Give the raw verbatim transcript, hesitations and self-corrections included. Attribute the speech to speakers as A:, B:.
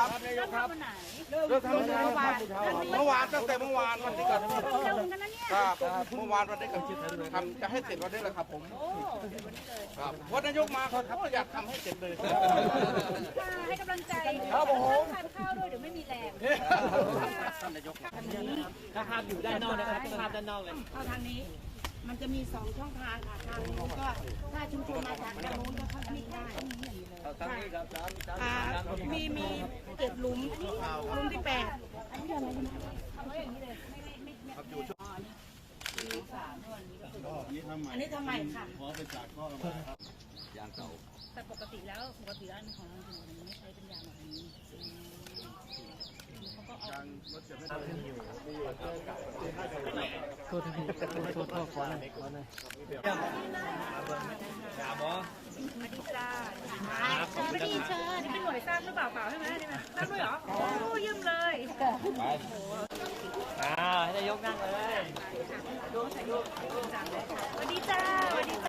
A: นายกครับ
B: วันไหน
A: เริ่มทำเมื่อวานเมื่อวานตั้งแต่เมื่อวานวันที่เกิด
B: เร็วเหมือนกันนะเนี่ย
A: ครับเมื่อวานวันที่เกิดทำจะให้เสร็จวันนี้แหละครับผม
B: โอ้เดี๋ยววันนี้เลย
A: ครับเพราะนายกมาเขาอยากทำให้เสร็จเลย
B: ค่ะให้กำลังใจ
A: ครับผม
B: ทานข้าวด้วยเดี๋ยวไม่มีแรง
A: ท่านนายก
B: ทางนี้
C: ถ้าภาพอยู่ด้านนอกนะครับภาพด้านนอกเลย
B: เข้าทางนี้ มันจะมีสองช่องทางค่ะทางนู้นก็ถ้าชุมชนมาจากทางนู้นก็เข้าที่ได้
C: ทางนี้ครับ
B: อ่ามีมีเจ็ดหลุมหลุมที่แปดอันนี้ทำไมค่ะ
A: ยางเก่า
B: แต่ปกติแล้วปกติแล้วของเราจริงๆไม่ใช้เป็นยางแบบนี้เขาก็เอา
A: ยางรถจะไม่ได้
C: โทษทีโทษโทษขอหน่อยขอหน่อยถามหมอ
B: อดีจ้าไม่ดีเชิญนี่เป็นหน่วยสร้างหรือเปล่าเปล่าใช่ไหมนี่ไหมสร้างด้วยเหรอโอ้ยืมเลย
C: อ่าให้นายกนั่งเลย
B: สวัสดีจ้า